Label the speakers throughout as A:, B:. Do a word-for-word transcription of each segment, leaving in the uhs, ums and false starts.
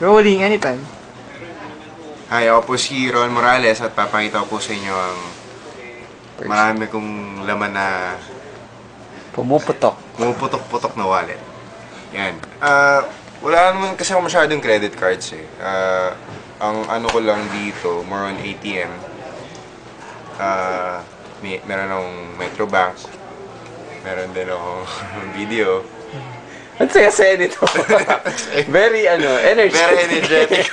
A: Rolling anytime.
B: Hi, ako po si Ron Morales at papakita ko po sa inyo ang marami kong laman na
A: Pumuputok.
B: pumuputok-putok na wallet. Yan. Ah, wala naman kasi ako masyadong credit cards eh. Ah, ang ano ko lang dito, more on A T M. Ah, may meron akong Metrobank. Meron din akong video.
A: Ang saya-saya nito. Very, ano, energetic.
B: Very energetic.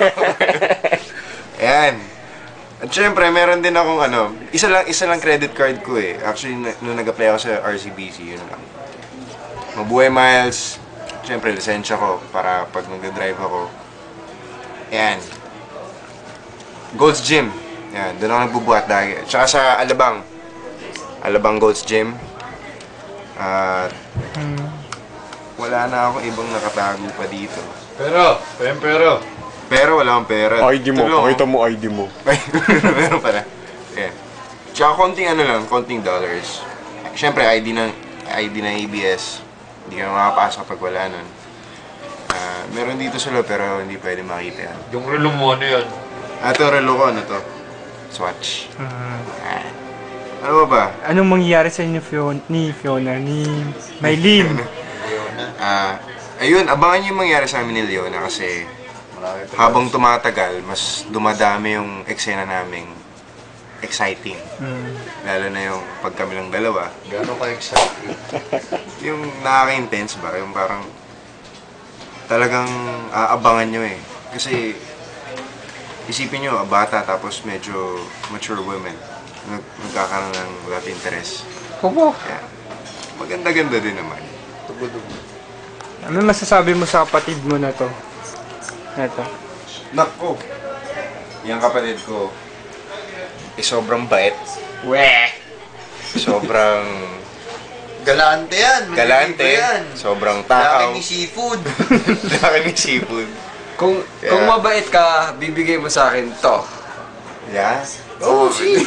B: Ayan. At syempre, meron din akong ano, isa lang isa lang credit card ko eh. Actually, nung nag-apply ako sa R C B C, yun lang. Mabuhay miles. Syempre, lisensya ko para pag nag-drive ako. Ayan. Gold's Gym. Ayan, doon ako nagbubuhat dahil. Tsaka sa Alabang. Alabang Gold's Gym. At wala na akong ibang nakatago pa dito.
C: Pero, pero, pero.
B: Pero wala akong pera.
D: I D mo, pakita mo I D mo.
B: Ay, meron pala. Yeah. Tsaka konting ano lang, konting dollars. Siyempre, I D ng, I D ng A B S. Hindi ka makapasok pag wala nun. Uh, meron dito sila pero hindi pwede makita yan.
C: Yung relo mo, ano yan?
B: Ah, ito, relo ko, ano to? Swatch.
A: Uh,
B: Ah. Ano ba ba?
A: anong mangyayari sa inyo Fiona, ni Fiona, ni Maylin?
B: Ah, ayun, abangan niyo yung mangyari sa amin ni Leona kasi habang tumatagal, mas dumadami yung eksena naming exciting.
A: Mm.
B: Lalo na yung pag kami lang dalawa.
C: Gano'n ka-excited?
B: Yung nakaka-intense ba? Yung parang talagang aabangan nyo eh. Kasi isipin nyo, bata tapos medyo mature women. Nag nagkakaroon ng love interest.
A: Opo.
B: Kaya maganda-ganda din naman.
A: Ano masasabi mo sa kapatid mo na to? Ito.
B: Nako! Yung kapatid ko, eh sobrang bait.
A: Weh!
B: Sobrang
C: Galante yan!
B: galante.
C: Yan.
B: Sobrang takaw.
C: Laki ni seafood!
B: Laki ni seafood.
E: Kung
B: Kaya-
E: kung mabait ka, bibigay mo sa akin to.
B: Yeah? Oh, shit!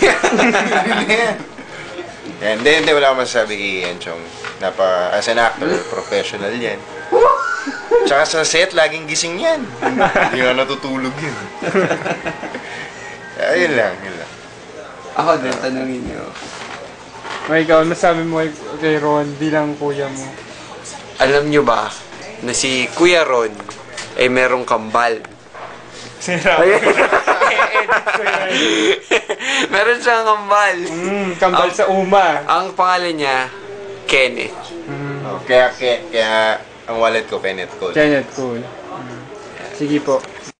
B: Yan, hindi, hindi, wala akong masasabi kay Ian Chong. Napa, as an actor, professional yan. Tsaka sa set, laging gising yan. Hindi nga natutulog yun. Ayun lang, yun lang.
E: Ako din, tanungin niyo.
A: O ikaw, masasabi mo kay- kay Ron bilang kuya mo?
E: Alam niyo ba na si Kuya Ron ay merong kambal?
A: Sira. I-edit ko yan.
E: Meron siyang kambal.
A: Mm, kambal
E: Ang-
A: sa uma.
E: Ang pangalan niya, Kenneth.
A: Mm.
B: Oh, kaya, kaya, kaya, ang wallet ko, Kenneth Cole.
A: Janet, cool. Mm. Sige po.